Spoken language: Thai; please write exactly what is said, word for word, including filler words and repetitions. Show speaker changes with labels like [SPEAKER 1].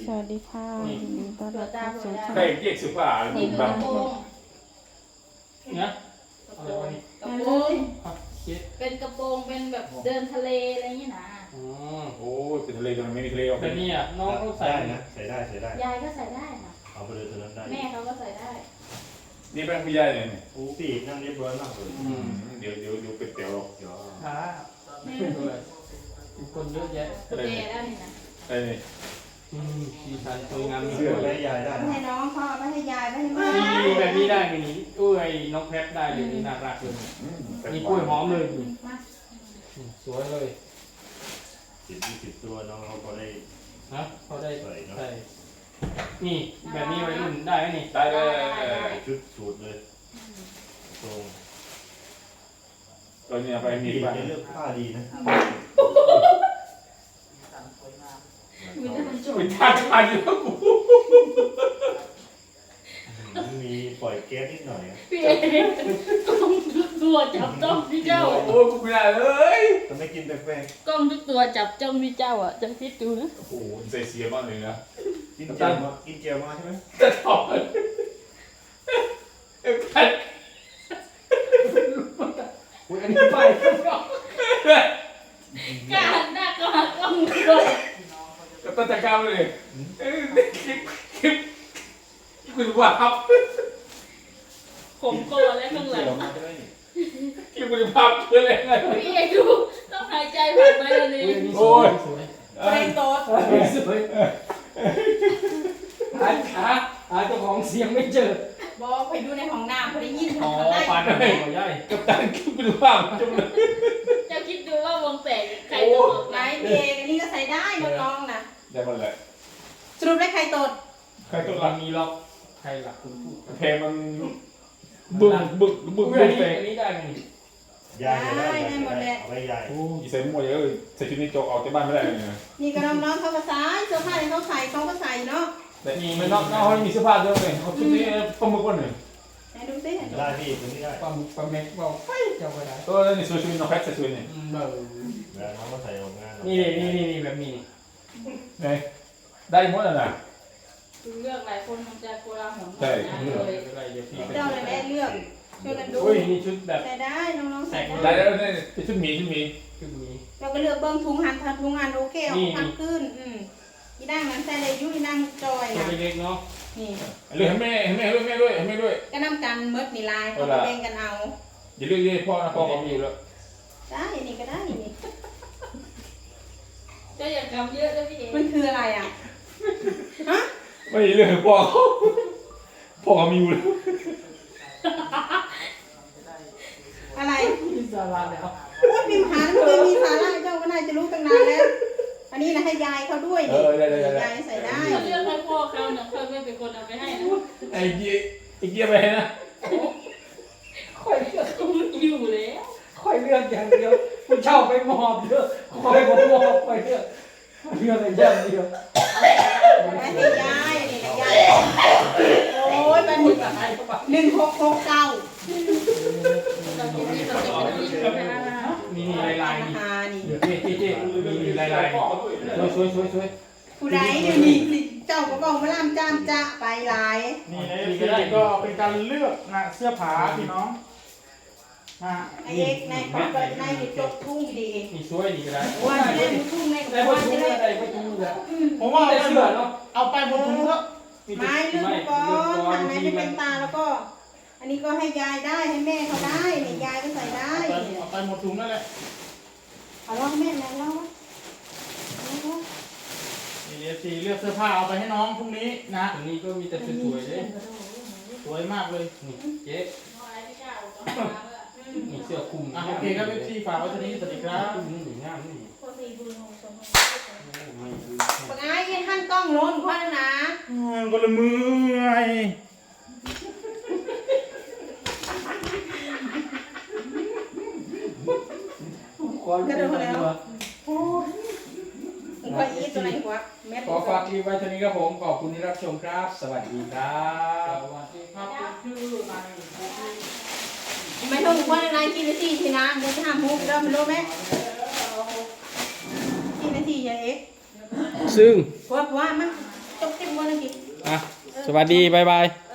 [SPEAKER 1] วัสดีค่ะยินดีต้อนรับเข้าสู่ช่อง
[SPEAKER 2] ใครเรียกสุภาพ
[SPEAKER 3] นี่คือกระโปรง
[SPEAKER 4] เนี่ย
[SPEAKER 3] กระ
[SPEAKER 4] อะไร
[SPEAKER 3] โปรง
[SPEAKER 4] วะนี่
[SPEAKER 3] กระโปรง
[SPEAKER 4] เจ็ด
[SPEAKER 3] เป็นกระโปรงเป็นแบบเดินทะเลอะไรอย่างนี้นะ
[SPEAKER 4] อ๋อ
[SPEAKER 2] โอ้ยเป็นทะเลตรงนั้นไม่มีทะเลออก
[SPEAKER 4] แต่นี่อ่ะน้องเขาใส่
[SPEAKER 5] ได้นะใส่ได้ใส่ได้
[SPEAKER 3] ยายก็ใส่ได้นะ
[SPEAKER 5] เอาไปเลยตัวนั้นได้
[SPEAKER 3] แม่เขาก็ใส่ได้
[SPEAKER 2] นี่เป็นผู้ใหญ่เลยเนี่ย
[SPEAKER 5] โอ้ปีกนั่งเรียบร้อยมากเลย
[SPEAKER 4] อืม
[SPEAKER 2] เดี๋ยวเดี๋ยวเดี๋ยวเป็ดเตี๋ยวหรอก
[SPEAKER 5] เดี๋ยว
[SPEAKER 4] ขาไม่ด้วยมีคนเยอะแยะ
[SPEAKER 3] กุญแจได้นี่นะ
[SPEAKER 2] ไอ้นี่
[SPEAKER 4] อืมสีสันสวยงาม
[SPEAKER 5] เสื้อได้ยายได้
[SPEAKER 1] ไม่ให้น้องพ่อไม่ให้ยายไม่ให้แม่
[SPEAKER 4] นี่แบบนี้ได้ไหมนี่อุ้ยน้องแพทได้เลยนี่น่ารักเลย
[SPEAKER 2] อืม
[SPEAKER 4] มีกล้วยหอมเลยนี่
[SPEAKER 3] มา
[SPEAKER 4] อืมสวยเลย
[SPEAKER 5] สิบยี่สิบตัวน้องเขาก็ได้
[SPEAKER 4] นะเขาได้
[SPEAKER 5] ใส่เนาะ
[SPEAKER 4] ใส่นี่แบบนี้วัยรุ่นได้ไหมนี่
[SPEAKER 2] ได้เลย
[SPEAKER 5] ชุดสูทเลยตรง
[SPEAKER 2] ตอนนี้ไปมี
[SPEAKER 5] ปีก
[SPEAKER 2] บ้าง
[SPEAKER 5] เนี่ยเลือกผ้าดีนะ
[SPEAKER 3] มีแต่คนจุ่ม
[SPEAKER 2] เป็นท่าทางอยู่แล้วกู
[SPEAKER 5] มีปล่อยแก๊สนิดหน่อย
[SPEAKER 3] พี่เอกกล้องทุกตัวจับจ้องพี่เจ้า
[SPEAKER 2] โอ้ยกูไม่ได้เลย
[SPEAKER 5] จะไม่กินแป้ง
[SPEAKER 3] กล้องทุกตัวจับจ้องพี่เจ้าอ่ะจะคิดดูนะ
[SPEAKER 2] โอ้โหใส่เสียมากเลยนะ
[SPEAKER 5] ๆกินเจลมากินเจลมาใช่ไหม
[SPEAKER 2] จะถอดเอ้ยใคร
[SPEAKER 4] อุ้ยอันนี้ไป
[SPEAKER 3] กล้าหันหน้าก็หักกล้องด้วย
[SPEAKER 2] ก็ต้นตะกร้าเลยเอ้ยคลิปคลิปคุณว่าครับ
[SPEAKER 3] ผมคอและข้างหลัง
[SPEAKER 5] มาใช่ไหมนี่
[SPEAKER 2] คลิปคุณภาพเพื่ออะไรไง
[SPEAKER 3] พี่เอกดูต้องหายใจผ่านไหมวัน
[SPEAKER 4] อุ้
[SPEAKER 3] นี้
[SPEAKER 4] ยอันนี้สวยสวย
[SPEAKER 1] เกรงโตด
[SPEAKER 4] สวยสวยหาหาหาเจ้าของเสียงไม่เจอ
[SPEAKER 1] บอกไปดูในห้องน้ำพอได้ยิน
[SPEAKER 4] อ๋อ
[SPEAKER 1] ทาง
[SPEAKER 4] ปา
[SPEAKER 1] ได้
[SPEAKER 4] นหัวใหญ่
[SPEAKER 2] กับตันคลิปคุณภาพจมเลย
[SPEAKER 3] เจ้าคิดดูว่าวงแตกใครจะตก
[SPEAKER 1] ไหน
[SPEAKER 3] ไหน
[SPEAKER 1] เบกอันนี้ก็ใส่ได้น้องๆนะ
[SPEAKER 2] ได้หมดเลย
[SPEAKER 1] สรุปได้ใครตด
[SPEAKER 2] ใครตัวห
[SPEAKER 4] เรา
[SPEAKER 2] ลัก
[SPEAKER 4] มีล็อกใครหลักคุณพูด
[SPEAKER 2] เพลงมันบึกบึกบึก
[SPEAKER 4] อุ้ย
[SPEAKER 2] บึ
[SPEAKER 4] อัน
[SPEAKER 2] ก
[SPEAKER 4] นี้
[SPEAKER 2] เพลง
[SPEAKER 4] อันนี้ได้ไหมนี่
[SPEAKER 5] ยายจะได้ยายจะได้เอาไว้ยาย
[SPEAKER 2] โอ้ยใส่หมวกเยอะเลยใส่ชุดนี้โจกออกจากบ้านไม่ได้เลยนะ
[SPEAKER 1] นี่ก็น้องๆเขาก็ใส่เสื้อผ้าที่เขาใส่เขาก็ใส่เนาะ
[SPEAKER 2] แต่นี่ไม่นอกนอกเขามีเสื้อผ้าเยอะเลยเขาชุดนี้ปลาหมึกวันหนึ่ง
[SPEAKER 1] ไหนดูสิ
[SPEAKER 5] ได้พี่ตัวนี้ได้
[SPEAKER 4] ปลาหมึกปลาเม็กบอกไฟเจ้าก็ได้
[SPEAKER 2] ตัวนี้สวยชุดน้องแพทใส่ชุดนี่
[SPEAKER 4] อืมเบอร์
[SPEAKER 5] เวลาน้องมาใส่ออกงาน
[SPEAKER 4] นี่นี่นี่นี่แบบนี้
[SPEAKER 2] ไงได้หมดแล้วนะ
[SPEAKER 3] คือเลือกหลายคนมันจะโกลาหล
[SPEAKER 2] ใช่
[SPEAKER 3] นะ
[SPEAKER 4] เลื
[SPEAKER 3] เล
[SPEAKER 4] อก
[SPEAKER 3] ย
[SPEAKER 4] อะไรเดี๋ยวพี่
[SPEAKER 1] เจ้าเลยแม่เลือกช่วยกันดู
[SPEAKER 4] อุ้ยนี่ชุดแบบ
[SPEAKER 1] ใส่ได้น้องๆใส่
[SPEAKER 2] ได้
[SPEAKER 1] ได้
[SPEAKER 2] แล้วนี่เป็นชุดหมีชุดหมี
[SPEAKER 4] ชุดนี้
[SPEAKER 1] เราก็เลือกเบิ้งถุงหันถุงหันโอเคเอา
[SPEAKER 4] นี่
[SPEAKER 1] พันขึ้นอืมอีนั่งนั้นใส่เลยยุอีนั่งจอย
[SPEAKER 4] ตัว
[SPEAKER 1] นะ
[SPEAKER 4] เล็กๆเนาะ
[SPEAKER 1] นี่
[SPEAKER 2] เลือกให้แม่ให้แม่ด้วยแม่ด้วยให้แม่ด้วย
[SPEAKER 1] ก็น้ำกันเมิดนี่ลายเขาแบ่งกันเอา
[SPEAKER 2] อย่าเลือกยี่พ่อนะพ่อเขามีอยู่แล้ว
[SPEAKER 1] ได้นี่ก็ได้นี่
[SPEAKER 3] เจ้าอย่ากำเยอะนะพี่เอก
[SPEAKER 1] มันคืออะไรอ่ะฮะ
[SPEAKER 2] ไม่เลือกให้พ่อเขาพ่อเขามีอยู่แล้ว
[SPEAKER 1] อะไร
[SPEAKER 4] มีสาระแล้ว
[SPEAKER 1] พูดพิมพ์หาแล้วมันมีสาระเจ้าก็น่าจะรู้ตั้งนานแล้ว อันนี้นะให้ยายเขาด้วย
[SPEAKER 2] เอ
[SPEAKER 1] นี่
[SPEAKER 2] อได้ได้ได้
[SPEAKER 1] ยายใส่ได้
[SPEAKER 3] เขาเลือกให้พ่อเขาเนี่ยเขาไม่เป็นคนเอาไปให้นะ
[SPEAKER 2] ไอ้เกี้ยไอ้เกี้ยไปนะ
[SPEAKER 4] ค่อยเลือก
[SPEAKER 3] เขาไม่อยู่แล้ว
[SPEAKER 4] ค่อยเลือกอย่างเดียวผู้เช่าไปมอบเยอะค่อยผมมอบไปเยอะเลือกอะไรอย่างเดียว
[SPEAKER 1] ไม่ให้ยายนี่นะยายโอ้ยมันหนึ่งหนึ่งหกหกเก้า
[SPEAKER 3] เราจะมีเราจะเป็นผู้หญิงนะ
[SPEAKER 4] มีนี่ลายลายนี่
[SPEAKER 1] หานี่
[SPEAKER 4] เดี๋ยวเจ๊เจ๊เจ๊มีมีลายลายสวยสวยสวยสวย
[SPEAKER 1] ผู้ใดเดี๋ยวนี้สิเจ้าก็บอกมาล่ามจ้ามจะไปหลาย
[SPEAKER 6] นี่เอฟซีก็เป็นการเลือกนะเสื้อผ้าพี่น้องนะ
[SPEAKER 1] ไอ้เอกในของเปิดในนี่จบทุ่งดี
[SPEAKER 4] นี่สวยนี่ก็ได้
[SPEAKER 1] ว่าจะได้มุทุ่งใน
[SPEAKER 4] ได้
[SPEAKER 1] ว่า
[SPEAKER 4] ประตู
[SPEAKER 1] จะได้
[SPEAKER 4] ได้ประตูเลย
[SPEAKER 6] ผมว่าเอา
[SPEAKER 4] ได้
[SPEAKER 6] ไป
[SPEAKER 4] เสื้อเนาะ
[SPEAKER 6] เอาไปบนถุงเถอะ
[SPEAKER 1] ไม้เลือกก่อนทางไหนไม่เป็นตาแล้วก็ อันนี้ก็ให้ยายได้ให้แม่เขาได้นี่ยายก็ใส่ได้
[SPEAKER 6] เอาไปเอาไปหมดถุงนั่นแหละ
[SPEAKER 1] เอาล่ะแม่แม่เล่า
[SPEAKER 6] นี่เอฟซีเลือกเสื้อผ้าเอาไปให้น้องพรุ่งนี้นะ
[SPEAKER 4] อันนี้ก็มีแต่สวยๆเลย
[SPEAKER 6] สวยมากเลย
[SPEAKER 4] นี่เจ๊
[SPEAKER 3] เอาอะไรพี่เจ้าก็มาเมื่อ
[SPEAKER 4] นี่เสื้อคลุม
[SPEAKER 6] อ่ะโอเคครับเอฟซีฝากไว้เท่านี้สวัสดีครับ
[SPEAKER 4] นี่นี่งามนี่
[SPEAKER 3] พอสี่บุญของสม
[SPEAKER 4] ไม่คือ
[SPEAKER 1] ปากไอ้ยันท่านกล้องโน้นพ่อนะ
[SPEAKER 6] ก็ละมือย
[SPEAKER 4] ความเป็นตัว
[SPEAKER 1] ผมก็อีตัวไหนหัวแม่
[SPEAKER 4] ขอฝากคลิปไว้เท่านี้ครับผมขอบคุณที่รับชมครับ สวัสดีครับ
[SPEAKER 6] สวัสดีครับชื่ออะไร
[SPEAKER 1] ไม่ต้องพ่อในกี่นาทีทีนะเดี๋ยวจะทำมุกเริ่มรู้ไหมกี่นาทียายเอ็ก
[SPEAKER 4] ซึ่ง
[SPEAKER 1] เพราะว่ามันต้องทุกคนนะกิน
[SPEAKER 6] อ่ะสวัสดี บ๊ายบาย